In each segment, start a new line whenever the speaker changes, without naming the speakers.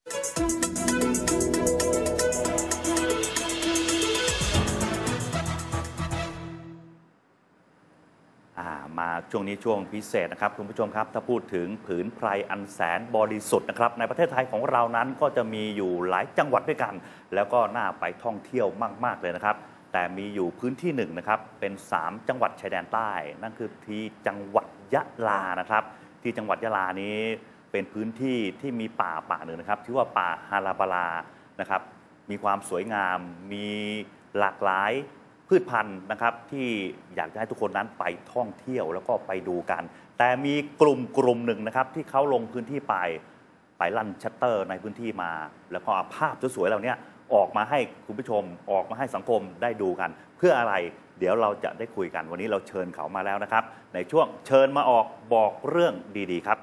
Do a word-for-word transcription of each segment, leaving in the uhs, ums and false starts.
มาช่วงนี้ช่วงพิเศษนะครับคุณผู้ชมครับถ้าพูดถึงผืนไพรอันแสนบริสุทธิ์นะครับในประเทศไทยของเรานั้นก็จะมีอยู่หลายจังหวัดด้วยกันแล้วก็น่าไปท่องเที่ยวมากๆเลยนะครับแต่มีอยู่พื้นที่หนึ่งนะครับเป็นสามจังหวัดชายแดนใต้นั่นคือที่จังหวัดยะลานะครับที่จังหวัดยะลานี้เป็นพื้นที่ที่มีป่าป่าหนึ่งนะครับชื่อว่าป่าฮาราบาลานะครับมีความสวยงามมีหลากหลายพืชพันธุ์นะครับที่อยากจะให้ทุกคนนั้นไปท่องเที่ยวแล้วก็ไปดูกันแต่มีกลุ่มกลุ่มหนึ่งนะครับที่เขาลงพื้นที่ไปไปลั่นชัตเตอร์ในพื้นที่มาแล้วก็เอาภาพสวยๆเหล่านี้ออกมาให้คุณผู้ชมออกมาให้สังคมได้ดูกันเพื่ออะไรเดี๋ยวเราจะได้คุยกันวันนี้เราเชิญเขามาแล้วนะครับในช่วงเชิญมาออกบอกเรื่องดีๆครับ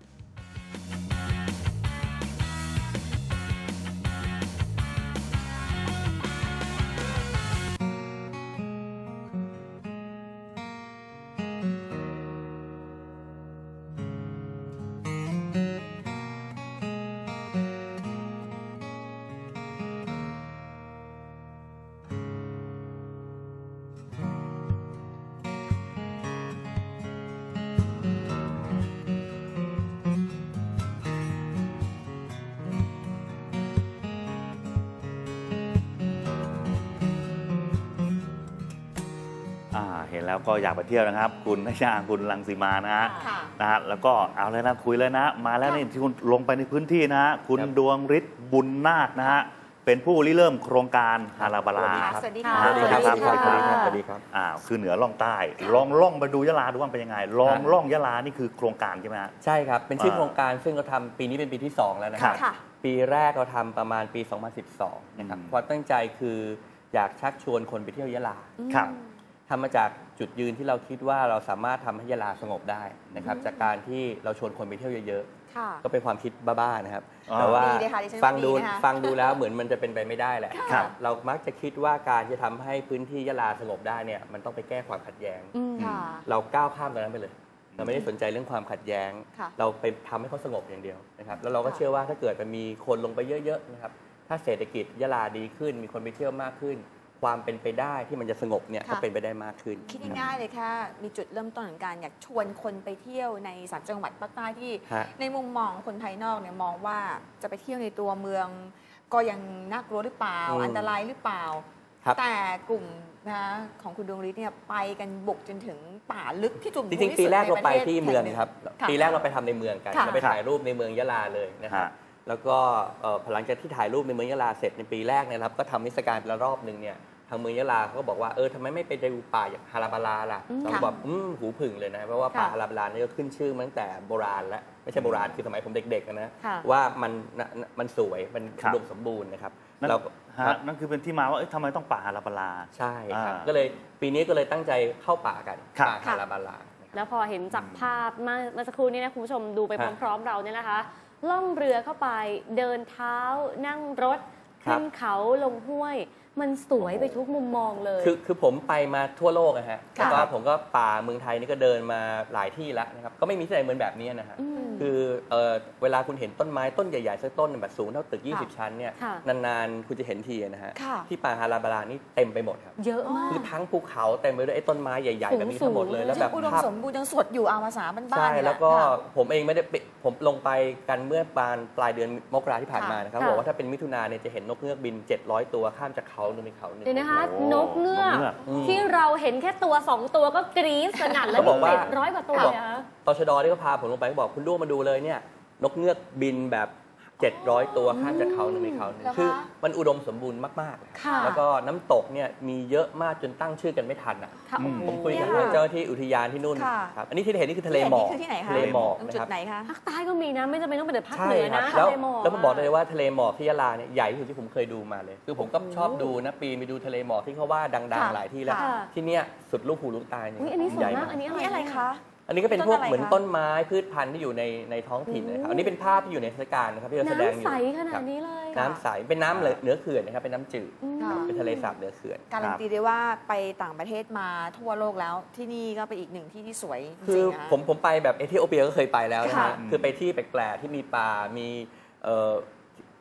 เห็นแล้วก็อยากไปเที่ยวนะครับคุณนชาคุณรังสีมานะฮะนะฮะแล้วก็เอาเลยนะคุยเลยนะมาแล้วนี่ที่คุณลงไปในพื้นที่นะฮะคุณดวงฤทธิ์บุญนาคนะฮะเป็นผู้ริเริ่มโครงการฮาราบาลา
สวัสดีค่ะ
สวัสดีครับสวัสดี
ครับสวัสดีครับ
อ่าคือเหนือล่องใต้ลองล่องไปดูยะลาดูว่าเป็นยังไงลองล่องยะลานี่คือโครงการใช่ไหมฮะ
ใช่ครับเป็นชื่อโครงการซึ่งเราทำปีนี้เป็นปีที่สองแล้วนะครับปีแรกเราทำประมาณปีสองพันสิบสองนะครับความตั้งใจคืออยากชักชวนคนไปเที่ยวยะลา
ครับ
ทำมาจากจุดยืนที่เราคิดว่าเราสามารถทำให้ยะลาสงบได้นะครับจากการที่เราชวนคนไปเที่ยวเยอะๆก็เป็นความคิดบ้าๆนะครับแต่ว่าฟังดูฟังดูแล้วเหมือนมันจะเป็นไปไม่ได้แหละเรามักจะคิดว่าการจะทำให้พื้นที่ยะลาสงบได้เนี่ยมันต้องไปแก้ความขัดแย้งเราก้าวข้ามตรงนั้นไปเลยเราไม่ได้สนใจเรื่องความขัดแย้งเราไปทำให้เขาสงบอย่างเดียวนะครับแล้วเราก็เชื่อว่าถ้าเกิดมันมีคนลงไปเยอะๆนะครับถ้าเศรษฐกิจยะลาดีขึ้นมีคนไปเที่ยวมากขึ้นความเป็นไปได้ที่มันจะสงบเนี่ยก็เป็นไปได้มากขึ้น
คิดง่ายๆเลยค่ะมีจุดเริ่มต้นของการอยากชวนคนไปเที่ยวในสามจังหวัดภาคใต้ที่ในมุมมองคนภายนอกเนี่ยมองว่าจะไปเที่ยวในตัวเมืองก็ยังน่ากลัวหรือเปล่าอันตรายหรือเปล่าแต่กลุ่มนะของคุณดวงฤทธิ์เนี่ยไปกันบุกจนถึงป่าลึกที่จุ่ม
จริงๆปีแรกเราไปที่เมืองครับปีแรกเราไปทำในเมืองกันเราไปถ่ายรูปในเมืองยะลาเลยนะครับแล้วก็หลังจากที่ถ่ายรูปในเมืองยะลาเสร็จในปีแรกนะครับก็ทำนิทรรศการเป็นรอบหนึ่งเนี่ยทางเมืองยะลาเขาก็บอกว่าเออทำไมไม่ไปดูป่าอย่างฮาราบาลาล่ะเราบอกอืมหูผึ่งเลยนะเพราะว่าป่าฮาราบาลานี่ก็ขึ้นชื่อมาตั้งแต่โบราณแล้วไม่ใช่โบราณคือสมัยผมเด็กๆนะว่ามันมันสวยมันอุดมสมบูรณ์นะครับ
เรานั่นคือเป็นที่มาว่าทำไมต้องป่าฮาราบาลา
ใช่ครับก็เลยปีนี้ก็เลยตั้งใจเข้าป่ากันป่าฮาราบาลา
แล้วพอเห็นจากภาพเมื่อสักครู่นี้นะคุณผู้ชมดูไปพร้อมๆเราเนี่ยนะคะล่องเรือเข้าไปเดินเท้านั่งรถขึ้นเขาลงห้วยมันสวยไปทุกมุมมองเลย
คือคือผมไปมาทั่วโลกนะฮะแล้วก็ผมก็ป่าเมืองไทยนี่ก็เดินมาหลายที่แล้วนะครับก็ไม่มีที่ไหนเหมือนแบบนี้นะฮะคือเอ่อเวลาคุณเห็นต้นไม้ต้นใหญ่ๆสักต้นแบบสูงเท่าตึกยี่สิบชั้นเนี่ยนานๆคุณจะเห็นทีนะฮะที่ป่าฮาราบาลานี่เต็มไปหมดครับ
เยอะมาก
คือทั้งภูเขาเต็มไปด้วยไอ้ต้นไม้ใหญ่ๆแบบนี้ทั้งหมดเลยแล้วแบบ
อุดมสมบูรณ์ยังสดอยู่เอาภาษาบ้านๆ
ใช่แล้วก็ผมเองไม่ได้ผมลงไปกันเมื่อปลายปลายเดือนมกราที่ผ่านมานะครับบอกว่าถ้าเป็นมิถุนาเนี่ยจะเห็นนกเงือกบินเจ็ดร้อยตัวข้ามจากเขาหนึ่งไปเขาหนึ่ง
เดี๋ยวนะคะนกเงือกที่เราเห็นแค่ตัวสองตัวก็กรี๊ดสนั่นแล้ว
บอกว่า
เจ็ดร้อยกว่าตัวนะ
ตชดที่เขาพาผมลงไปเขาบอกคุณลูกมาดูเลยเนี่ยนกเงือกบินแบบเจ็ดร้อยตัวข้ามจากเขาหนึ่งไปเขาหนึ่งคือมันอุดมสมบูรณ์มากๆแล้วก็น้ำตกเนี่ยมีเยอะมากจนตั้งชื่อกันไม่ทันอ่ะผมคุยกับเจ้าที่อุทยานที่นู่นครับอันนี้ที่เห็นนี่คือทะเลหมอกทะเลหมอก
นะครับ
ภาคใต้ก็มีนะไม่จำเป็นต้องเป็นภาคเหนือนะ
ทะเลหมอกแล้วผมบอกเลยว่าทะเลหมอกที่ยะลาเนี่ยใหญ่ที่สุดที่ผมเคยดูมาเลยคือผมก็ชอบดูนะปีไปดูทะเลหมอกที่เขาว่าดังๆหลายที่แล้วที่เนี้ยสุดลูกหูลูกตาเนี่ย
ใหญ่มากอันนี้
อะไรคะ
อันนี้ก็เป็นพวกเหมือนต้นไม้พืชพันธุ์ที่อยู่ในในท้องถิ่นนะครับอันนี้เป็นภาพที่อยู่ในเทศกาลนะครับที่เราแสดงอยู่
น้ำใสขนาดนี้เลย
น้ำใสเป็นน้ำเหนือเขื่อนนะครับเป็นน้ำจืดเป็นทะเลสาบเหนือเขื่อน
การันตีได้ว่าไปต่างประเทศมาทั่วโลกแล้วที่นี่ก็เป็นอีกหนึ่งที่ที่สวยจริงๆนะ
ผมผมไปแบบเอธิโอเปียก็เคยไปแล้วนะฮะคือไปที่แปลกๆที่มีป่ามี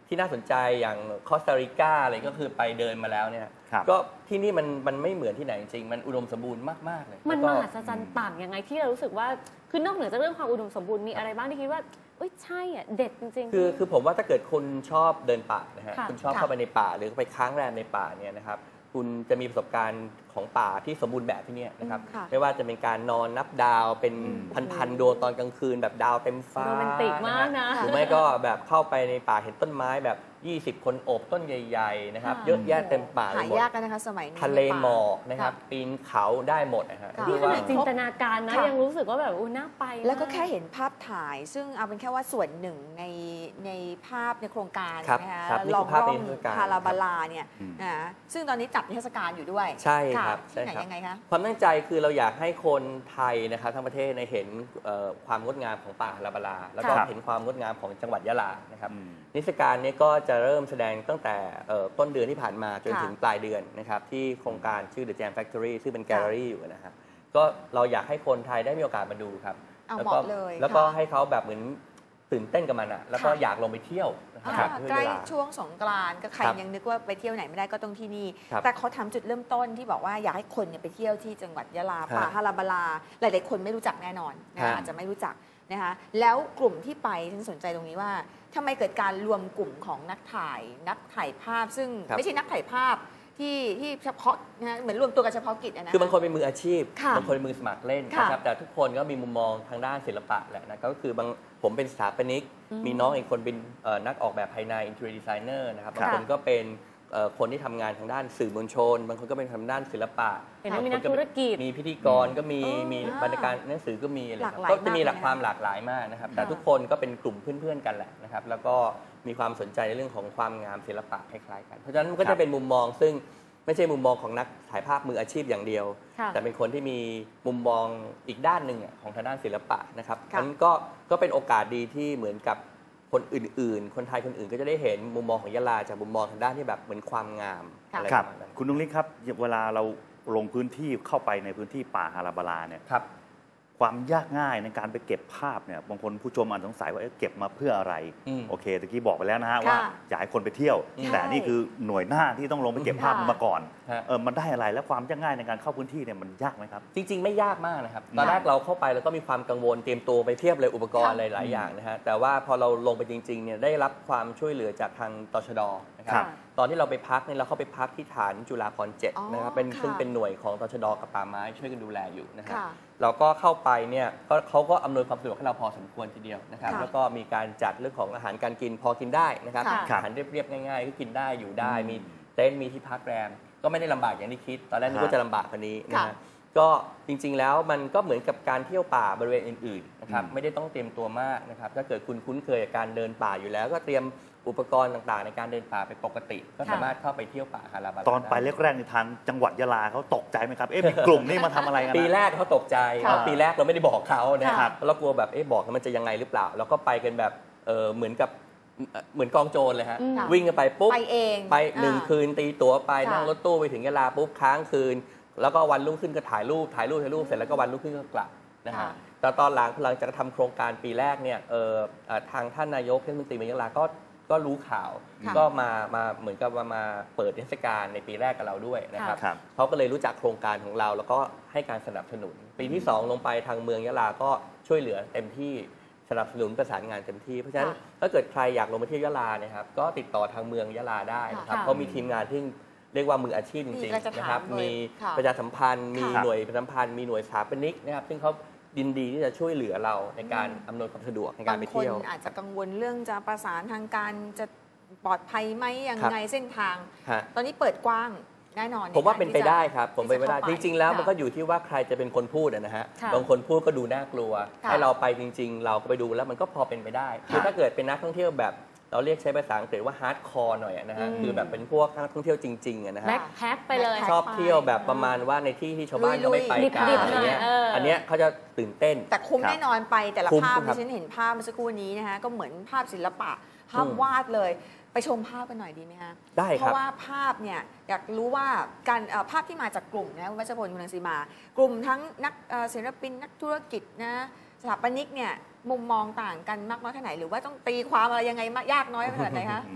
ที่น่าสนใจอย่างคอสตาริกาอะไรก็คือไปเดินมาแล้วเนี่ย
ครับ
ก็ที่นี่มันมันไม่เหมือนที่ไหนจริงๆมันอุดมสมบูรณ์มากๆเลย
มัน
แล้ว
ม
ก็
หัศจรรย์ต่างยังไงที่เรารู้สึกว่าคือนอกเหนือจากเรื่องความอุดมสมบูรณ์มีอะไรบ้างที่คิดว่าเอ้ยใช่อ่ะเด็ดจริงๆ
คือคือผมว่าถ้าเกิดคุณชอบเดินป่านะฮะ
ค่ะ
คุณชอบเข้าไปในป่าหรือไปค้างแรมในป่าเนี่ยนะครับคุณจะมีประสบการณ์ของป่าที่สมบูรณ์แบบที่เนี่ยนะครับ
ค่ะ
ไม่ว่าจะเป็นการนอนนับดาวเป็น
อืม
พันๆดวงตอนกลางคืนแบบดาวเต็มฟ้า
โรแมนติกมากนะ
หรือไม่ก็แบบเข้าไปในป่าเห็นต้นไม้แบบยี่สิบคนโอบต้นใหญ่ๆนะครับ
ค่ะ
เยอะแยะเต็มป่าไป
หา
หมด
ยากกันนะคะสมัยนี้
ทะเล
ในป่า
หมอกนะครับ
ค่ะ
ปีนเขาได้หมดนะฮะ
ค่ะ
นี่
ที่
ข
ว่า
นาดจินตนาการนะ
ค่ะ
ยังรู้สึกว่าแบบอู้น่าไป
แล้วก็
มา
แค่เห็นภาพถ่าย ซึ่งเอาเป็นแค่ว่าส่วนหนึ่งในในภาพในโครงการ
ครับ
นะคะ
ครับนี่
ล
คือ อง ภาพ
ร่
ใน
อง
เทศกาล
ฮาราบาลาเนี่ย
อืม
นะซึ่งตอนนี้จัดนิทรรศการอยู่ด้วย
ใช่
ค่ะ
ครับ
ที่ไหน
ใช่ครับ
ยังไงคะ
ความตั้งใจคือเราอยากให้คนไทยนะครับทั้งประเทศในยเห็นเอ่อความงดงามของป่าลาบาลา แล้วก็
ครับ
เห็นความงดงามของจังหวัดยะลานะครับ
อืม
นิทรรศการนี้ก็จะเริ่มแสดงตั้งแต่เอ่อต้นเดือนที่ผ่านมาจน
ค่ะ
ถึงปลายเดือนนะครับที่โครงการชื่อ The Jam Factory ซึ่งเป็นแกลเลอรี่อยู่นะครับก็เราอยากให้คนไทยได้มีโอกาสมาดูครับ
เอา
แล้ว
เห
ก็
มาะเลย
แล้วก็
ค่ะ
ให้เขาแบบเหมือนตื่นเต้นกับมันอ่ะแล้วก็
ค่ะ
อยากลงไปเที่ยวนะค
อ่า
รับ
ใกล้
ด้วยเวลา
ช่วงสงกรานต์ก็ใคร
ครับ
ยังนึกว่าไปเที่ยวไหนไม่ได้ก็ต้องที่นี่
ครับ
แต่เขาทำจุดเริ่มต้นที่บอกว่าอยากให้คนเนี่ยไปเที่ยวที่จังหวัดยะลา
ฮะ
ป่าฮาราบาลา หลายๆคนไม่รู้จักแน่นอนนะ
ฮะ
อาจจะไม่รู้จักนะคะแล้วกลุ่มที่ไปฉันสนใจตรงนี้ว่าทำไมเกิดการรวมกลุ่มของนักถ่ายนักถ่ายภาพ ซึ่ง
ครับ
ไม่ใช่นักถ่ายภาพที่ที่เฉพาะนะฮะเหมือนรวมตัวกันเฉพาะกิจอะนะ
คือบางคนเป็นมืออาชีพ
ค่ะ
บางคนเป็นมือสมัครเล่น
ค่ะ
นะครับแต่ทุกคนก็มีมุมมองทางด้านศิลปะแหละนะก็คือบางผมเป็นสถาปนิก
อืม
มีน้องอีกคนเป็นเอ่อนักออกแบบภายใน interior designer นะครับ
ค่ะ
บางคนก็เป็นเอ่อคนที่ทำงานทางด้านสื่อมวลชน บางคนก็เป็นทางด้านศิลปะ
เห็นไหม
บาง
มี
ค
นักธุรกิจ
มีพิธีกรก็มี
อ๋อ
มีบรรณาการหนังสือก็มีอะไร
หลากหลาย
ก็จะมี
มาก
หลัก
เลยนะ
ความหลากหลายมากนะครับแต่
ค่ะ
ทุกคนก็เป็นกลุ่มเพื่อนๆกันแหละนะครับแล้วก็มีความสนใจในเรื่องของความงามศิลปะคล้ายๆกันเพราะฉะนั้นมันก็
ครั
จะ
บ
เป็นมุมมองซึ่งไม่ใช่มุมมองของนักถ่ายภาพมืออาชีพอย่างเดียว
ค่ะ
แต่เป็นคนที่มีมุมมองอีกด้านหนึ่งอะของทางด้านศิลปะนะครับ
ค่ะ
นั้นก็ก็เป็นโอกาสดีที่เหมือนกับคนอื่นๆ คนไทยคนอื่นก็จะได้เห็นมุมมองของยะลาจากมุมมองทางด้านที่แบบเหมือนความงาม
ค่ะ
อะไร
ค
ป
รับ
ระมาณนั้น
คุณนุ้งลิศครับเวลาเราลงพื้นที่เข้าไปในพื้นที่ป่าฮาราบาลาเนี่ย
ครับ
ความยากง่ายในการไปเก็บภาพเนี่ยบางคนผู้ชมอาจสงสัยว่าเอ๊ะเก็บมาเพื่ออะไร
อืม
โอเคตะกี้บอกไปแล้วนะฮะ
ค่ะ
ว่าอยากให้คนไปเที่ยว
ใช่
แต่นี่คือหน่วยหน้าที่ต้องลงไปเก็บภาพ
ค่ะ
มาก่อน
ฮะ
เออมันได้อะไรและความยากง่ายในการเข้าพื้นที่เนี่ยมันยากไหมครับ
จริงๆ ไม่ยากมากนะครับ ตอนแรกเราเข้าไปแล้วก็มีความกังวลเตรียมตัวไปเทียบเลยอุปกรณ์
ค่ะ
อะไรหลายอย่างนะฮะแต่ว่าพอเราลงไปจริงๆเนี่ยได้รับความช่วยเหลือจากทางตชดนะค
ครั
รับ บตอนที่เราไปพักเนี่ยเราเข้าไปพักที่ฐานจุฬาภรณ์เจ็ด
อ๋อ
นะครับเป็น
ค่ะ
ซึ่งเป็นหน่วยของตชดกับป่าไม้ช่วยกันดูแลอยู่นะฮะ
ค่ะ
เราก็เข้าไปเนี่ยก็เขาก็อำนวยความสะดวกให้เราพอสมควรทีเดียวนะครับ
ค่ะ
แล้วก็มีการจัดเรื่องของอาหารการกินพอกินได้นะครับ
ค่ะ
อาหารเรียบๆง่ายๆก็กินได้อยู่ได้
อืม
มีเต็นท์มีที่พักแรม ก็ไม่ได้ลำบากอย่างที่คิด ตอนแรกนึกว่า
ฮะ
จะลำบากกว่านี้นะ
ค่ะ
ฮะก็จริงๆแล้วมันก็เหมือนกับการเที่ยวป่าบริเวณอื่นๆนะครับ
อืม
ไม่ได้ต้องเตรียมตัวมากนะครับถ้าเกิดคุณคุ้นเคยกับการเดินป่าอยู่แล้ว ก็เตรียมอุปกรณ์ต่างๆ ในการเดินป่าเป็นปกติ ก็สามารถเข้าไปเที่ยวป่าฮาราบาลา
ตอนไป
ด้
แรกๆในทางจังหวัดยะลาเขาตกใจไหมครับเอ๊ะมีกลุ่มนี่มาทำอะไรกันนะ
ปีแรกเขาตกใจ
ค่ะ
เพราะปีแรกเราไม่ได้บอกเขานะค
ครั
รับบ เรากลัวแบบเอ๊ะบอกแล้วมันจะยังไงหรือเปล่า แล้วก็ไปกันแบบเออเหมือนกับเอ่อเหมือนกองโจรเลยฮะ
อืม
วิ่งกันไปปุ๊บ
ไปเอง
ไปหนึ่ง
อ่า
คืนตีตั๋วไป
ค่ะ
นั่งรถตู้ไปถึงยะลาปุ๊บค้างคืน แล้วก็วันรุ่งขึ้นก็ถ่ายรูปถ่ายรูปถ่ายรูปเสร็จแล้วก็วันรุ่งขึ้นก็กลับนะฮะ
ค่ะ
แต่ตอนหลังหลังจากทำโครงการปีแรกเนี่ยเออเอ่อทางท่านนายกเทศมนตรีเมืองยะลาก็ก็รู้ข่าว
ค่ะ
ก็มามาเหมือนกับมามาเปิดเทศกาลในปีแรกกับเราด้วยนะครับ
ครับ
เขาก็เลยรู้จักโครงการของเรา แล้วก็ให้การสนับสนุน ปีที่สองลงไปทางเมืองยะลาก็ช่วยเหลือเต็มที่สนับสนุนประสานงานเต็มที่เพราะฉะนั้น
ค่ะ
ถ้าเกิดใครอยากลงไปเที่ยวยะลาเนี่ยครับก็ติดต่อทางเมืองยะลาได้นะครับ
ค่ะ
เขามีทีมงานที่เรียกว่ามืออาชีพจริง
นี่เราจะ
ๆ
ถาม
นะครับ
เลย
มี
ค่ะ
ประชาสัมพันธ์ มี
ค่ะ
หน่วยประชาสัมพันธ์มีหน่วยสถาปนิกนะครับซึ่งเขายินดีที่จะช่วยเหลือเราในการอำนวยความสะดวกในกา
บาร ง
ไป
คน
เที่ยว
อาจจะกังวลเรื่องจะประสานทางการจะปลอดภัยไหมยังไงเส้นทาง
ฮะ
ตอนนี้เปิดกว้างแน่นอน
ผมว่า
ใกร
เป็นไป
ที่จะ
ได้ครับผมเป็นไปได้
ที่
จ
จะเข้าไป
ริง ๆ แล้ว
ค่ะ
มันก็อยู่ที่ว่าใครจะเป็นคนพูดอะนะฮะ
ค่ะ
บางคนพูดก็ดูน่ากลัว
ค่ะ
ให้เราไปจริง ๆ เราก็ไปดูแล้วมันก็พอเป็นไปได้คือถ้าเกิดเป็นนักท่องเที่ยวแบบเราเรียกใช้ภาษาอังกฤษว่าฮาร์ดคอร์หน่อยอะนะฮะ
อืม
คือแบบเป็นพวกนักท่องเที่ยวจริงๆอะนะฮะ
แบ็คแพ็คไปเลย
ชอบเที่ยวแบบประมาณว่าในที่ที่ชาวบ้านเขาไม่ไปกัน
ลุยๆ
อะไรเงี้ย
ดิบๆหน่อยเอออั
อันเนี้ยเขาจะตื่นเต้น
แต่คุ้ม
ครับ
แน่นอนไปแต่ละ
คุ้ม
ภาพ
ครั
ที่
บ
ฉันเห็นภาพเมื่อสักครู่นี้นะคะก็เหมือนภาพศิลปะภาพ
อืม
วาดเลยไปชมภาพกันหน่อยดีไหมคะ
ได้ครับ
เพราะว่าภาพเนี่ยอยากรู้ว่าการเอ่อภาพที่มาจากกลุ่มนะคุณวัชพลคุณรังสีมา กลุ่มทั้งนักเอ่อศิลปินนักธุรกิจนะสถาปนิกเนี่ยมุมมองต่างกันมากน้อยแค่ไหนหรือว่าต้องตีความอะไรยังไงมากยากน้อยขนาดไหนคะ
อืม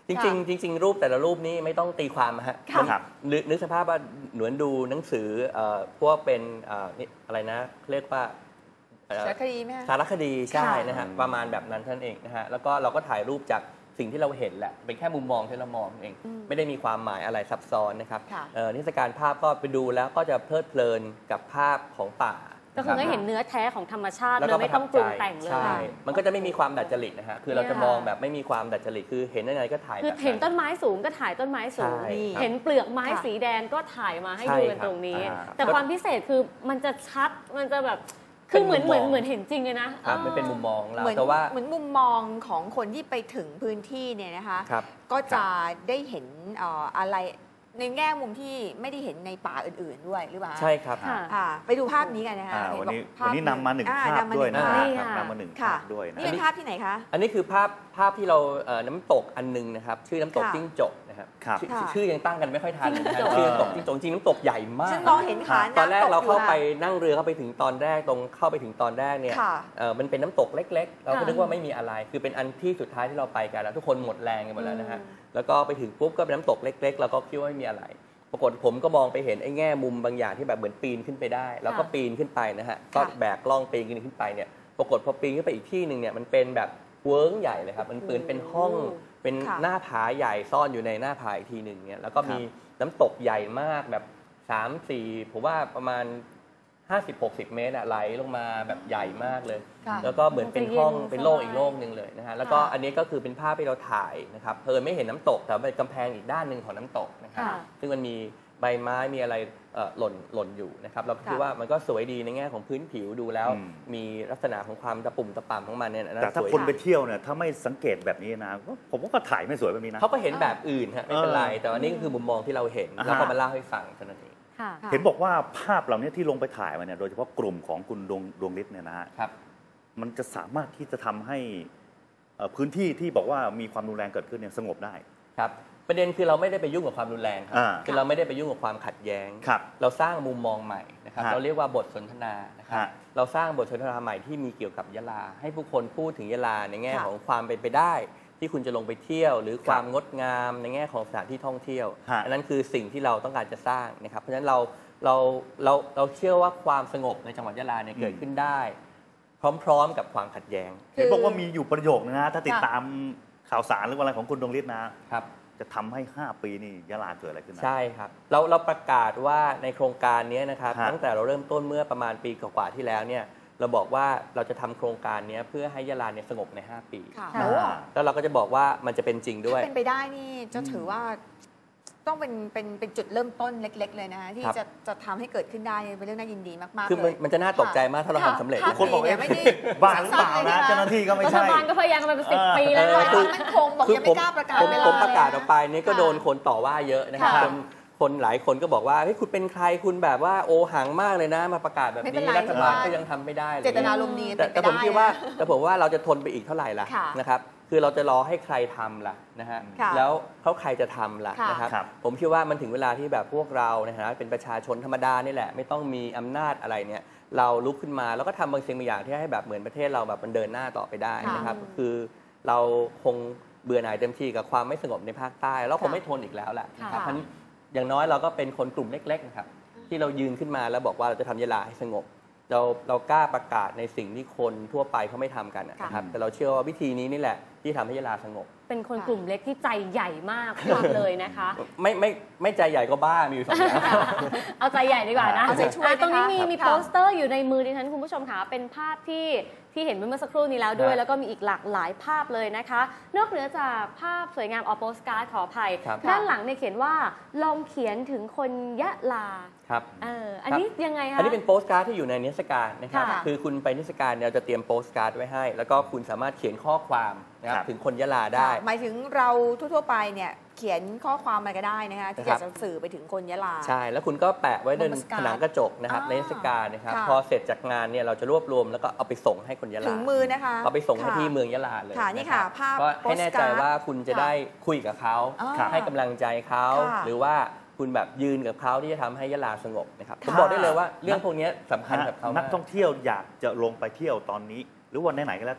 จริงๆจริงๆรูปแต่ละรูปนี้ไม่ต้องตีความฮะ
ครับ
นึกนึกสภาพว่าเหมือนดูหนังสือพวกเป็นอะไรนะเรียกว่า
สารคดีไหม
สารคดีใช่นะฮะประมาณแบบนั้นท่านเองนะฮะแล้วก็เราก็ถ่ายรูปจากสิ่งที่เราเห็นแหละเป็นแค่มุมมองที่เรามองเองไม่ได้มีความหมายอะไรซับซ้อนนะครับนิทรรศการภาพก็ไปดูแล้วก็จะเพลิดเพลินกับภาพของป่า
ก็คือได้เห็นเนื้อแท้ของธรรมชาติเลยไม่ต้องปรุงแต่งเลย
ใช่มันก็จะไม่มีความดัดจริตนะฮะคือเราจะมองแบบไม่มีความดัดจริตคือเห็นอะไรก็ถ่าย
คือเห็นต้นไม้สูงก็ถ่ายต้นไม้สูงเห็นเปลือกไม้สีแดงก็ถ่ายมาให้ดูกันตรงนี้แต่ความพิเศษคือมันจะชัดมันจะแบบคือเหมือนเหมือนเหมือนเห็นจริงเลยนะ
มันเป็นมุมมองเรา
แต่ว่าเหมือนมุมมองของคนที่ไปถึงพื้นที่เนี่ยนะคะก็จะได้เห็นอะไรในแง่มุมที่ไม่ได้เห็นในป่าอื่นๆด้วยหรือเปล่า
ใช่ครับ
ไปดูภาพนี้กันนะคะ
วันนี้วันนี้นำมาหนึ่งภาพด้วยนะนำมาหนึ่งภาพด้วย
นี่เป็นภาพที่ไหนคะ
อันนี้คือภาพภาพที่เราน้ำตกอันนึงนะครับชื่อน้ำตกจิ้งจกนะครับชื่อยังตั้งกันไม่ค่อยทันชื่อน้ำตกจิ้งจกจริงน้ำตกใหญ่มาก
ฉันมองเห็นขา
ตอนแรกเราเข้าไปนั่งเรือเข้าไปถึงตอนแรกตรงเข้าไปถึงตอนแรกเนี่ยมันเป็นน้ำตกเล็กๆเราก็นึกว่าไม่มีอะไรคือเป็นอันที่สุดท้ายที่เราไปกันแล้วทุกคนหมดแรงกันหมดแล้วนะฮะแล้วก็ไปถึงปุ๊บก็เป็นน้ำตกเล็กๆเราก็คิดว่าไม่มีอะไรปรากฏผมก็มองไปเห็นไอ้แง่มุมบางอย่างที่แบบเหมือนปีนขึ้นไปได้แล้วก็ปีนขึ้นไปนะฮะก็แบกล่องปีนขึ้นไปเนี่ยปรากฏพอปีนขึ้นไปอีกที่หนึ่งเนี่ยมันเป็นแบบเวิ้งใหญ่เลยครับมันปืนเป็นห้องเป็นหน้าผาใหญ่ซ่อนอยู่ในหน้าผาอีกทีหนึ่งเนี่ยแล้วก็มีน้ำตกใหญ่มากแบบ สามสี่ ผมว่าประมาณ ห้าสิบหกสิบ เมตรไหลลงมาแบบใหญ่มากเลยแล้วก็เหมือนเป็นห้องเป็นโลกอีกโลกนึงเลยนะฮะแล้วก็อันนี้ก็คือเป็นภาพที่เราถ่ายนะครับเพลินไม่เห็นน้ำตกแต่เป็นกำแพงอีกด้านหนึ่งของน้ำตกนะครับซึ่งมันมีใบไม้มีอะไรหล่นหล่นอยู่นะครับเราคิดว่ามันก็สวยดีในแง่ของพื้นผิวดูแล้วมีลักษณะของความตะปุ่มตะป่ำของมันเนี่ย
แต่ถ้าคนไปเที่ยวเนี่ยถ้าไม่สังเกตแบบนี้นะผมว่าก็ถ่ายไม่สวยแบบนี้นะ
เขาก็เห็นแบบอื่นฮะไม่เป็นไรแต่ว่านี่คือมุมมองที่เราเห็นแล้วก็มาเล่าให้ฟังเท่านั้นเอง
เห็นบอกว่าภาพเหล่านี้ที่ลงไปถ่ายมาเนี่ยโดยเฉพาะกลุ่มของคุณดวงดวงฤทธิ์เนี่ยนะฮะมันจะสามารถที่จะทำให้พื้นที่ที่บอกว่ามีความรุนแรงเกิดขึ้นเนี่ยสงบได้
ครับประเด็นคือเราไม่ได้ไปยุ่งกับความรุนแรงครับคือเราไม่ได้ไปยุ่งกับความขัดแย้งเราสร้างมุมมองใหม่นะครับเราเรียกว่าบทสนทนานะครับเราสร้างบทสนทนาใหม่ที่มีเกี่ยวกับยะลาให้ผู้คนพูดถึงยะลาในแง่ของความเป็นไปได้ที่คุณจะลงไปเที่ยวหรือความงดงามในแง่ของสถานที่ท่องเที่ยวอันนั้นคือสิ่งที่เราต้องการจะสร้างนะครับเพราะฉะนั้นเราเราเราเราเชื่อว่าความสงบในจังหวัดยะลาเนี่ยเกิดขึ้นได้พร้อมๆกับความขัดแย้ง
เห็นบอกว่ามีอยู่ประโยคนึงนะถ้าติดตามข่าวสารหรืออะไรของคุณดวงฤทธิ์นะครับจะทำให้ห้าปีนี่ยะลาเกิดอะไรขึ้น
ใช่ครับเราเราประกาศว่าในโครงการนี้นะครับตั้งแต่เราเริ่มต้นเมื่อประมาณปีกว่าๆที่แล้วเนี่ยเราบอกว่าเราจะทำโครงการนี้เพื่อให้ยะลาเนี่ยสงบในห้าปีแล้วเราก็จะบอกว่ามันจะเป็นจริงด้วย
ถ้าเป็นไปได้นี่จะถือว่าต้องเป็นเป็นเป็นจุดเริ่มต้นเล็กๆเลยนะที่จะจะทำให้เกิดขึ้นได้เป็นเรื่องน่ายินดีมากๆ
คือมันจะน่าตกใจมากถ้าเราทำสำเร็จ
คนบอกไม่ได้บ้าหรือเปล่านะเจ้าหน้าที่ก็ไม่ใช่
รัฐบาลก็พยายามมาเป็นสิบปีแล้ว
คือมันคงบอกยังไม่กล้าประกาศ
ผมประกาศออกไปนี่ก็โดนคนต่อว่าเยอะนะครับคนหลายคนก็บอกว่าเฮ้ยคุณเป็นใครคุณแบบว่าโอหังมากเลยนะมาประกาศแบบนี้รัฐบาลก็ยังทำไม่ได้เลย
เจตนาลมณ์นี้
แต่ผมคิดว่าแต่ผมว่าเราจะทนไปอีกเท่าไหร่ล่ะนะครับคือเราจะรอให้ใครทำล่ะนะฮะแล้วเขาใครจะทำล่ะนะครับผมคิดว่ามันถึงเวลาที่แบบพวกเราในฐานะเป็นประชาชนธรรมดานี่แหละไม่ต้องมีอำนาจอะไรเนี่ยเราลุกขึ้นมาแล้วก็ทำบางสิ่งบางอย่างที่ให้แบบเหมือนประเทศเราแบบมันเดินหน้าต่อไปได้นะครับคือเราคงเบื่อหน่ายเต็มที่กับความไม่สงบในภาคใต้แล้วคงไม่ทนอีกแล้วแหละนะครับเพราะอย่างน้อยเราก็เป็นคนกลุ่มเล็กๆนะครับที่เรายืนขึ้นมาแล้วบอกว่าเราจะทำยะลาให้สงบเราเรากล้าประกาศในสิ่งที่คนทั่วไปเขาไม่ทำกันนะครับแต่เราเชื่อว่าวิธีนี้นี่แหละที่ทำให้ยะลาสงบ
เป็นคนกลุ่มเล็กที่ใจใหญ่มากพูดเลยนะคะ
ไม่ไม่ไม่ใจใหญ่ก็บ้ามีอยู่สองอย่าง
เอาใจใหญ่ดีกว่านะเอาใจช่วยตรงนี้มีมีโปสเตอร์อยู่ในมือดิฉันคุณผู้ชมค่ะเป็นภาพที่ที่เห็นเมื่อสักครู่นี้แล้วด้วยแล้วก็มีอีกหลากหลายภาพเลยนะคะนอกเหนือจากภาพสวยงามออโปสการ์ดขออภัยด้านหลังเนี่ยเขียนว่าลองเขียนถึงคนยะลา
ครับ
เอออันนี้ยังไงคะ
อันนี้เป็นโปสการ์ดที่อยู่ในนิทรรศการนะครับคือคุณไปนิทรรศการเนี่ยจะเตรียมโปสการ์ดไว้ให้แล้วก็คุณสามารถเขียนข้อความนะครับถึงคนยะลาได้
หมายถึงเราทั่วๆไปเนี่ยเขียนข้อความอะไรก็ได้นะคะที่อยากจะสื่อไปถึงคนยะลา
ใช่แล้วคุณก็แปะไว้บนผนังกระจกนะครับในนิทรรศการนะครับพอเสร็จจากงานเนี่ยเราจะรวบรวมแล้วก็เอาไปส่งให้คนยะลา
ถึงมือนะคะ
เอาไปส่งให้ที่เมืองยะลาเลย
ค่ะนี่ค่ะภาพ
ก็ให้แน่ใจว่าคุณจะได้คุยกับเขาให้กำลังใจเขาหรือว่าคุณแบบยืนกับเขาที่จะทำให้ยะลาสงบนะครับผมบอกได้เลยว่าเรื่องพวกนี้สำคัญกับเขา
นักท่องเที่ยวอยากจะลงไปเที่ยวตอนนี้หรือวันไหนๆก็แล้วแต่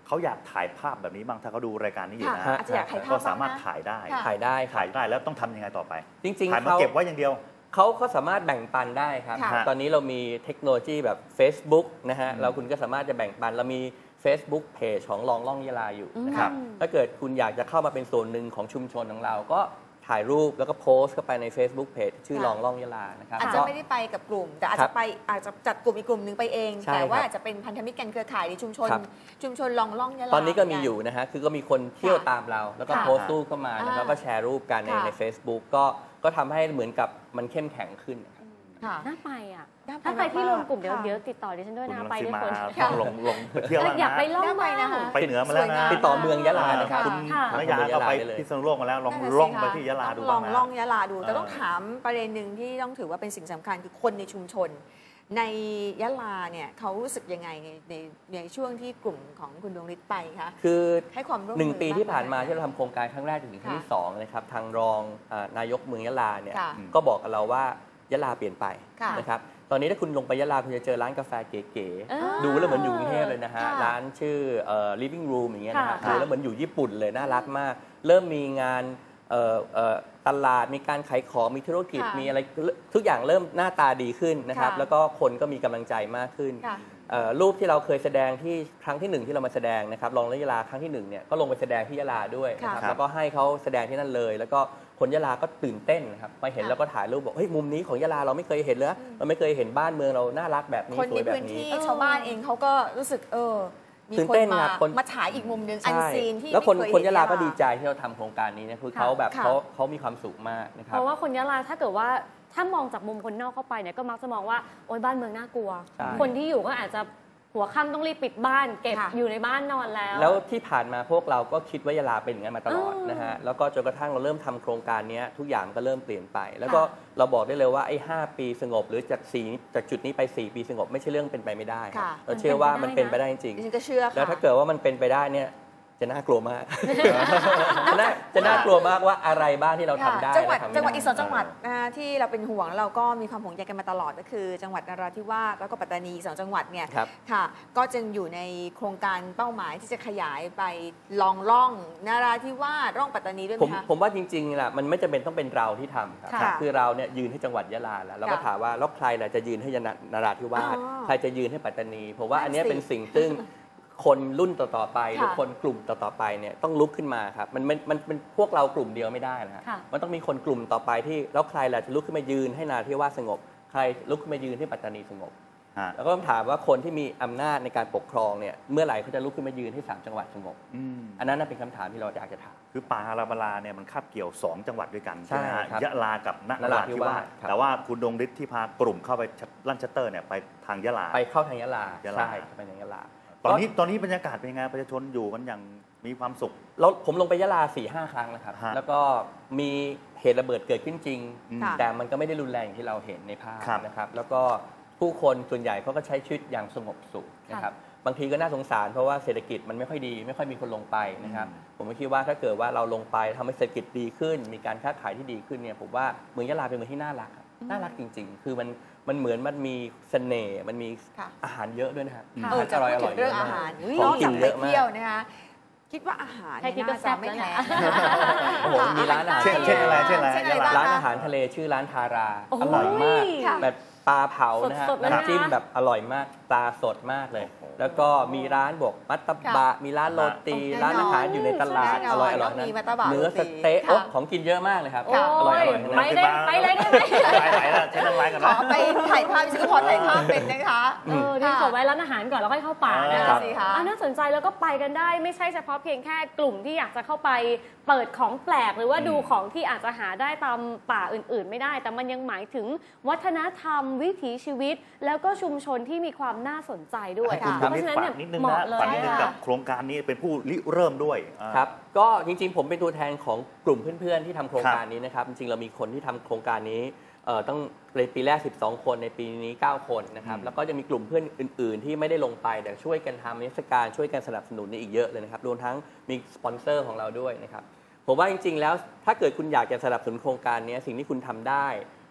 เขาอยากถ่ายภาพแบบนี้บ้างถ้าเขาดูรายการนี้อยู่นะ
อาจจะอยากถ่ายภาพ
ก็สามารถถ่ายได้
ถ่ายได้
ถ่ายได้แล้วต้องทำยังไงต่อไป
จริงๆ
ถ่ายมา
เขา
เก็บไว้อย่างเดียว
เขาก็สามารถแบ่งปันได้ครับ ตอนนี้เรามีเทคโนโลยีแบบ Facebook นะฮะเราคุณก็สามารถจะแบ่งปันเรามี Facebook Page ของลองล่องยะลาอยู่นะครับถ้าเกิดคุณอยากจะเข้ามาเป็นส่วนหนึ่งของชุมชนของเราก็ถ่ายรูปแล้วก็โพสต์เข้าไปใน Facebook Page ชื่อลองล่องยะลานะครับ
อาจจะไม่ได้ไปกับกลุ่มแต่อาจจะไปอาจจะจัดกลุ่มอีกกลุ่มหนึ่งไปเองแต่ว่าอาจจะเป็นพันธมิตรกันเครือข่ายในชุมชนชุมชนลองล่องยะลา
ตอนนี้ก็มีอยู่นะฮะคือก็มีคนเที่ยวตามเราแล้วก็โพสต์รูปเข้ามาแล้วก็แชร์รูปกันในใน Facebook ก็ก็ทำให้เหมือนกับมันเข้มแข็งขึ้น
น่าไปอ่ะถ้าใครที่รวมกลุ่มเดี๋ยวเดี๋ยวติดต่อดิฉันด้วยนะไปด้วยคน
ลงลงเที่ยวแล้วนะ
อยากไปล่องไปนะคะ
ไปเหนือมาแล้วนะ
ติดต่อเมืองยะลานะครับ
คุณนยาก็ไปพิษณุโลกมาแล้วลองล่องไปที่ยะลาดู
ลองล่องยะลาดูแต่ต้องถามประเด็นหนึ่งที่ต้องถือว่าเป็นสิ่งสำคัญคือคนในชุมชนในยะลาเนี่ยเขารู้สึกยังไงในในในช่วงที่กลุ่มของคุณดวงฤทธิ์ไปคะ
คือ
ให้ความร่วมมือ
หนึ่งปีที่ผ่านมาที่เราทำโครงการครั้งแรกถึงครั้งที่สองนะครับทางรองนายกเมืองยะลาเนี่ยก็บอกกับเราว่ายะลาเปลี่ยนไปนะครับตอนนี้ถ้าคุณลงไปยะลาคุณจะเจอร้านกาแฟเก๋ๆดูแล้วเหมือนอยู่กรุงเทพเลยนะฮะร้านชื่อ living room อย่างเงี้ยนะฮะดูแล้วเหมือนอยู่ญี่ปุ่นเลยน่ารักมากเริ่มมีงานตลาดมีการขายของมีธุรกิจมีอะไรทุกอย่างเริ่มหน้าตาดีขึ้นนะครับแล้วก็คนก็มีกำลังใจมากขึ้นรูปที่เราเคยแสดงที่ครั้งที่หนึ่งที่เรามาแสดงนะครับลองยะลาครั้งที่หนึ่งเนี่ยก็ลงไปแสดงที่ยะลาด้วยนะครับแล้วก็ให้เขาแสดงที่นั่นเลยแล้วก็คนยะลาก็ตื่นเต้นนะครับมาเห็นแล้วก็ถ่ายรูปบอกเฮ้ยมุมนี้ของยะลาเราไม่เคยเห็นเลยเราไม่เคยเห็นบ้านเมืองเราน่ารักแบบนี้สวยแบบนี้
คนในพื้นที่ชาวบ้านเองเขาก็รู้สึกเออมีคนมามาฉายอีกมุมนึงอันซีนที่
แล้วคนคนยะลาก็ดีใจที่เราทำโครงการนี้นะคือเขาแบบเขาเขามีความสุขมากนะครับ
เพราะว่าคนยะลาถ้าเกิดว่าถ้ามองจากมุมคนนอกเข้าไปเนี่ยก็มักจะมองว่าโอ๊ยบ้านเมืองน่ากลัวคนที่อยู่ก็อาจจะหัวค่ำต้องรีบปิดบ้านเก็บอยู่ในบ้านนอนแล้ว
แล้วที่ผ่านมาพวกเราก็คิดว่ายะลาเป็นอย่างนั้นมาตลอดนะฮะแล้วก็จนกระทั่งเราเริ่มทำโครงการนี้ทุกอย่างก็เริ่มเปลี่ยนไปแล้วก็เราบอกได้เลยว่าไอ้ห้าปีสงบหรือจากสี่จากจุดนี้ไปสี่ปีสงบไม่ใช่เรื่องเป็นไปไม่ได้เราเชื่อว่ามันเป็นไปได้จริงแล้วถ้าเกิดว่ามันเป็นไปได้เนี่ยจะน่ากลัวมากจะน่ากลัวมากว่าอะไรบ้างที่เราทำได้
จังหวัดจังหวัดอีกสองจังหวัดที่เราเป็นห่วงเราก็มีความห่วงใยกันมาตลอดก็คือจังหวัดนราธิวาสแล้วก็ปัตตานีสองจังหวัดเนี่ยค่ะก็จึงอยู่ในโครงการเป้าหมายที่จะขยายไปลองล่องนราธิวาสร่องปัตตานีด้วยไหมคะ
ผมว่าจริงๆแหละมันไม่จำเป็นต้องเป็นเราที่ทำครับคือเราเนี่ยยืนให้จังหวัดยะลาแล้วเราก็ถามว่าแล้วใครล่ะจะยืนให้นราธิวาสใครจะยืนให้ปัตตานีผมว่าอันนี้เป็นสิ่งซึ่งคนรุ่นต่อๆไปหรือคนกลุ่มต่อๆไปเนี่ยต้องลุกขึ้นมาครับมันมันมันเป็นพวกเรากลุ่มเดียวไม่ได้นะฮะมันต้องมีคนกลุ่มต่อไปที่แล้วใครล่ะจะลุกขึ้นมายืนให้นราธิวาสสงบใครลุกขึ้นมายืนให้ปัตตานีสงบแล้วก็ต้องถามว่าคนที่มีอำนาจในการปกครองเนี่ยเมื่อไหร่เขาจะลุกขึ้นมายืนให้สามจังหวัดสงบอันนั้นเป็นคำถามที่เราอยากจะถาม
คือป่าอาราบาลาเนี่ยมันคาบเกี่ยวสองจังหวัดด้วยกันใช่ไหมฮะยะลากับนราธิวาสแต่ว่าคุณดวงฤทธิ์ที่พากลุ่มเข้าไปลั่นชัตเตอร์เนี่ยไปทางยะลา
ไปเข้าทางยะลาใช่ไปทางยะลา
ตอนนี้ตอนนี้บรรยากาศเป็นยังไงประชาชนอยู่กันอย่างมีความสุข
เราผมลงไปยะลา สี่ห้า ครั้งนะครับแล้วก็มีเหตุระเบิดเกิดขึ้นจริงแต่มันก็ไม่ได้รุนแรงอย่างที่เราเห็นในภาพนะครับแล้วก็ผู้คนส่วนใหญ่เขาก็ใช้ชีวิตอย่างสงบสุขนะครับบางทีก็น่าสงสารเพราะว่าเศรษฐกิจมันไม่ค่อยดีไม่ค่อยมีคนลงไปนะครับผมคิดว่าถ้าเกิดว่าเราลงไปทำให้เศรษฐกิจดีขึ้นมีการค้าขายที่ดีขึ้นเนี่ยผมว่าเมืองยะลาเป็นเมืองที่น่ารักน่ารักจริงๆคือมันมันเหมือนมันมีเสน่ห์มันมีอาหารเยอะด้วยนะครับ
อร่อยอร่อยเรื่องอาหารนอกจากไปเที่ยวนะคะคิดว่าอาหารน่าจะไม่แพ้
โอ้โหมีร้านอาหาร
เช่นอะไรเช่นอะไร
ร้านอาหารทะเลชื่อร้านทาราอร่อยมากแบบปลาเผานะฮะน้ำจิ้มแบบอร่อยมากปลาสดมากเลยแล้วก็มีร้านบวกมัตตบะมีร้านโรตีร้านอาหารอยู่ในตลาดอร่อยอร่อยนั้นเนื้อสเต๊ะของกินเยอะมากเลยครับอร่อยอร่อย
ไปเลยไปเลยได้ไหม
ไปไหนล่ะใช้น้ำลายกัน
ขอไปถ่ายภาพชื่อพอถ่ายภาพเป็นนะคะ
เออเดี๋ยวขอไว้ร้านอาหารก่อนแล้วค่อยเข้าป่านะคะน่าสนใจแล้วก็ไปกันได้ไม่ใช่เฉพาะเพียงแค่กลุ่มที่อยากจะเข้าไปเปิดของแปลกหรือว่าดูของที่อาจจะหาได้ตามป่าอื่นๆไม่ได้แต่มันยังหมายถึงวัฒนธรรมวิถีชีวิตแล้วก็ชุมชนที่มีความน่าสนใจด้วย
เพราะฉะนั้นเนี่ยเหมาะเลยกับโครงการนี้เป็นผู้ริเริ่มด้วย
ครับก็จริงๆผมเป็นตัวแทนของกลุ่มเพื่อนๆที่ทำโครงการนี้นะครับจริงๆเรามีคนที่ทำโครงการนี้ต้องในปีแรกสิบสองคนในปีนี้เก้าคนนะครับแล้วก็จะมีกลุ่มเพื่อนอื่นๆที่ไม่ได้ลงไปแต่ช่วยกันทำนิทรรศการช่วยกันสนับสนุนนี่อีกเยอะเลยนะครับรวมทั้งมีสปอนเซอร์ของเราด้วยนะครับผมว่าจริงๆแล้วถ้าเกิดคุณอยากจะสนับสนุนโครงการนี้สิ่งที่คุณทำได้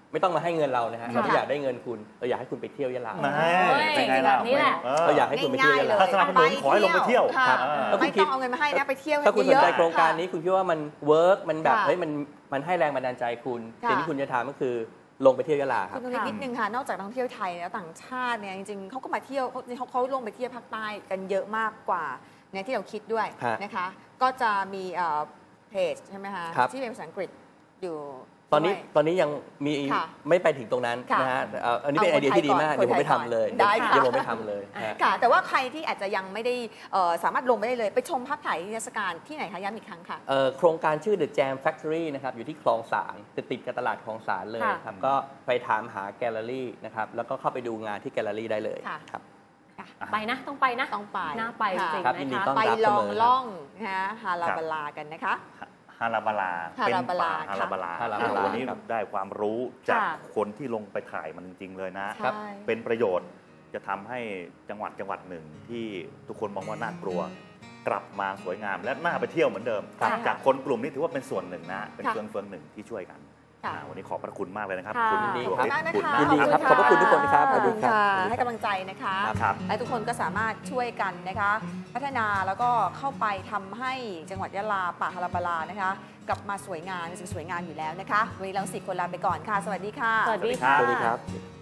ไม่ต้องมาให้เงินเรานะฮะ
ค่ะ
เราไม่อยากได้เงินคุณเราอยากให้คุณไปเที่ยวยะลา
เป็นไง
แบ
ล่ะ
บนี้แหละ
เราอยากให้คุณไปเที่ยวยะลา
ถ้าสนับสนุนขอให้ลงไปเที่ยว
ค่ะ
ครับ
ไม่ต้องเอาเงินมาให้นะไปเที่ยว
ถ้าคุณส
เย
น
อะ
ใจ
ๆ
โครงการนี้
ค่ะ
คุณคิดว่ามันเวิร์กมันแบบ
ค่ะ
เฮ้ยมันมันให้แรงบันดาลใจคุณ
ค่ะ
สิ่งที่คุณจะทำก็คือลงไปเที่ยวยะลาค
คุ
รับ
ณต้องนิดนึงค่ะ นอกจากนักท่องเที่ยวไทยแล้วต่างชาติเนี่ยจริงๆเขาก็มาเที่ยวเขาเขาลงไปเที่ยวภาคใต้กันเยอะมากกว่าในที่เราคิดด้วย
ฮะ
นะคะ ก็จะมีเอ่อเพจใช่ไหมคะ
ครับ
ที่เป็นภาษาอังกฤษอยู่
ตอนนี้
ด้วย
ตอนนี้ยังมี
ค่ะ
ไม่ไปถึงตรงนั้น
ค่ะ
นะฮะเอ่ออันนี้เป็น
เอา
ไอเดียที่ดีมาก
คนไทย
เดี๋ยวผมไป
ก่อน
ทำเลย
ได้ค่ะ
เดี๋ยวผมไปทำเลยฮะ
ค่ะ แต่ว่าใครที่อาจจะยังไม่ได้เอ่อสามารถลงไปได้เลย ไปชมภาพถ่ายนิทรรศการที่ไหนคะย้ำอีกครั้งค่ะ
เอ่อโครงการชื่อ The Jam Factory นะครับอยู่ที่คลองสารจะติดกับตลาดคลองสารเลย
ค่ะ
ครับก็ไปถามหาแกลเลอรี่นะครับแล้วก็เข้าไปดูงานที่แกลเลอรี่ได้เลย
ค่ะ
ครับ
ไปนะต้องไปนะ
ต้องไป
น่าไปจริง
ครับ
ๆ
ยินดี
นะ
ต้อ
คะ
น
ไป
รับ
ลอง
เสมอครับ
ล่องนะคะฮาลาบาลากันนะคะ
ฮาราบาลา
ฮา
เป็น
ราบาลา
ป่าฮาราบาลา
ฮาราบาลา
วันนี้
ครับ
ได้ความรู้จาก
ค่ะ
คนที่ลงไปถ่ายมันจริง ๆ เลยนะ
ใช่
เป็นประโยชน์จะทำให้จังหวัดจังหวัดหนึ่งที่ทุกคนมองว่าน่ากลัว กลับมาสวยงามและน่าไปเที่ยวเหมือนเดิม
ค่ะ
จากคนกลุ่มนี้ถือว่าเป็นส่วนหนึ่งนะ เป็น
ค่ะ
เฟืองเฟืองหนึ่งที่ช่วยกัน
ค่ะ
อ่าวันนี้ขอบพระคุณมากเลยนะครับ
ค่ะ
คุณ
ยินดี
ดวง
ครับ
ฤท
มาก
ธิ์
นะ
บุญ
คะ
นา
ยินดีครับ
ะ
ขอบพระคุณทุกคนครับ
ขอบคุณ
ขอบคุณครับ
ค่ะให้กำลังใจนะคะ
ครับ
และทุกคนก็สามารถช่วยกันนะคะ พัฒนาแล้วก็เข้าไปทำให้จังหวัดยะลาป่าฮาราบาลานะคะกลับมาสวยงามเป็นสิ่งสวยงามอยู่แล้วนะคะวันนี้เราสี่คนลาไปก่อนค่ะ สวัสดีค่ะ
สวัสดี
ครั
ค่ะ
สวัสดีครับ